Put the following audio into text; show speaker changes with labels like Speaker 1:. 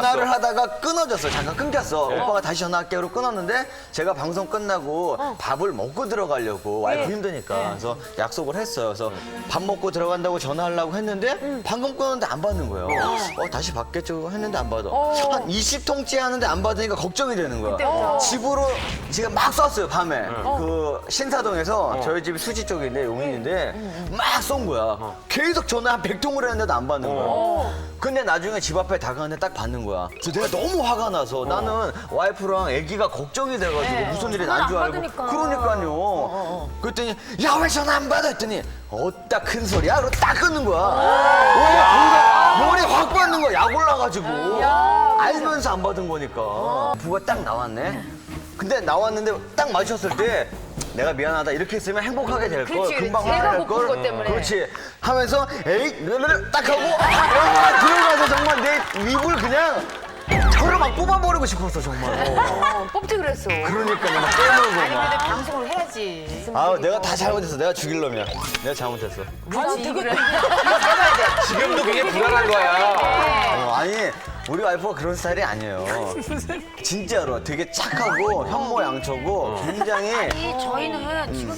Speaker 1: 전화를 하다가 끊어졌어. 잠깐 끊겼어. 오빠가 다시 전화할게 그러고 끊었는데 제가 방송 끝나고 밥을 먹고 들어가려고 와이프 힘드니까 그래서 약속을 했어요. 그래서 밥 먹고 들어간다고 전화하려고 했는데 방금 끊었는데 안 받는 거예요. 다시 받겠죠 했는데 안 받아. 한 20통째 하는데 안 받으니까 걱정이 되는 거야. 집으로 제가 막 쐈어요 밤에. 그 신사동에서 저희 집이 수지 쪽인데 용인인데 막 쏜 거야. 계속 전화 한 100통을 했는데도 안 받는 거야. 근데 나중에 집 앞에 다가갔는데 딱 받는 거야. 그래서 내가 너무 화가 나서 나는 와이프랑 아기가 걱정이 돼가지고 무슨 일이 난 줄 알고.
Speaker 2: 받으니까.
Speaker 1: 그러니까요. 그랬더니 야 왜 전화 안 받아 했더니 어따 큰 소리야? 그러고 딱 끊는 거야. 열이 확 받는 거야. 약 올라가지고. 알면서 안 받은 거니까. 부가 딱 나왔네. 근데 나왔는데 딱 마주쳤을 때 내가 미안하다 이렇게 했으면 행복하게 될 걸.
Speaker 2: 그렇지,
Speaker 1: 금방
Speaker 2: 내가
Speaker 1: 화날
Speaker 2: 못 본
Speaker 1: 걸.
Speaker 2: 것 때문에.
Speaker 1: 그렇지. 하면서 에이 딱 하고 야, 들어가서 정말 내 입을 그냥 혀를 막 뽑아버리고 싶었어 정말.
Speaker 2: 뽑지 그랬어.
Speaker 1: 그러니까 막 깨물고
Speaker 3: 아니
Speaker 1: 막.
Speaker 3: 근데 방송을 해야지.
Speaker 1: 아 내가 다 잘못했어. 내가 죽일 놈이야. 내가 잘못했어.
Speaker 3: 아니 되게
Speaker 4: 지금도 굉장히 불안한 거야.
Speaker 1: 아니 우리 와이프가 그런 스타일이 아니에요. 진짜로 되게 착하고 현모양처고 굉장히
Speaker 2: 저희는 지금